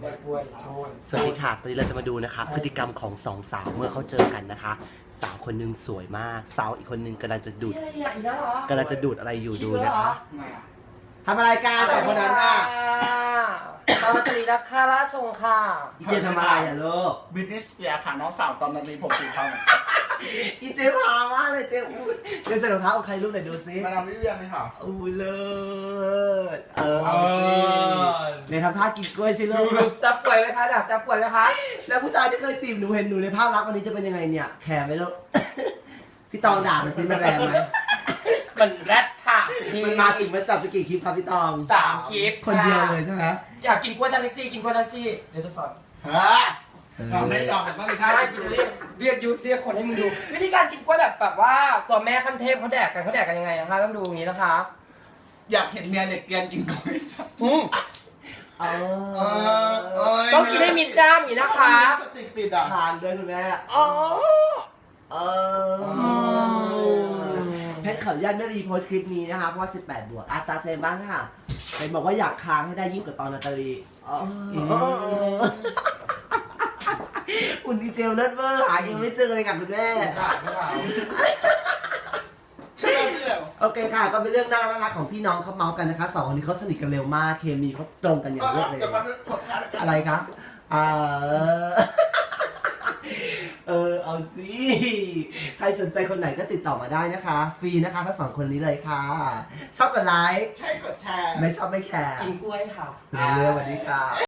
สวัสดีค่ะตอนนี้เราจะมาดูนะคะพฤติกรรมของสองสาวเมื่อเขาเจอกันนะคะ สาวคนหนึงสวยมากสาวอีกคนหนึงกำลังจะดูดอะไรอยู่ดูนะคะทำอะไรกันสองคนนั้นอ่ะตอนตรีรักค่าราชงค่ะอีเจทำอะไรอ่ะลูกบิทนีย์สเปียร์ค่ะน้องสาวตอนนั้นมีผมสีทองอีเจพามากเลยเจอุ้ยเจใส่รองเท้าของใครลูกไหนดูซิมาดามวิเวียนเลยค่ะอุ้ยเลิศเอาสิเนี่ยทำท่ากินกล้วยสิลูกจะป่วยไหมคะจะป่วยไหมคะแล้วผู้ชายที่เคยจีบหนูเห็นหนูในภาพลักษณ์วันนี้จะเป็นยังไงเนี่ยแคร์ไหมลูก พี่ตองด่ามันซิมันแรงไหมมันแรดค่ะมันมาถึงมาจับสกี่คลิปครับพี่ตอง 3 คลิปคนเดียวเลยใช่ไหมอยากกินกล้วยทันแท็กซี่กินกล้วยทันแท็กซี่เดี๋ยวจะสอนฮะเราไม่ยอมกันบ้างเลยค่ะใช่กูจะเรียกคนให้มึงดู วิธีการกินกล้วยแบบว่าตัวแม่ขั้นเทพเขาแดกกันยังไงนะคะต้องดูอย่างนี้นะคะอยากเห็นเมียเด็กเรียนกินกล้วยสักต้องกินให้มิดด้ามอย่างนี้นะคะสติกติดอ่ะทานด้วยคุณแม่อ๋อเพชรขออนุญาตไม่รีโพสต์คลิปนี้นะคะเพราะว่า18 บวกตาเจนบ้างค่ะเจนบอกว่าอยากค้างให้ได้ยิ่งกว่าตอนนาตาลีอุ่นดีเจลเลิศเวอร์หายังไม่เจอเลยค่ะคุณแม่ โอเคค่ะก็เป็นเรื่องน่ารักของพี่น้องเขาเมาส์กันนะคะสองคนนี้เขาสนิทกันเร็วมากเคมีเขาตรงกันอย่างรวดเร็วอะไรคะเอาสิใครสนใจคนไหนก็ติดต่อมาได้นะคะฟรีนะคะทั้งสองคนนี้เลยค่ะชอบกดไลค์ใช่กดแชร์ไม่ชอบไม่แคร์กินกล้วยค่ะเรื่องสวัสดีค่ะ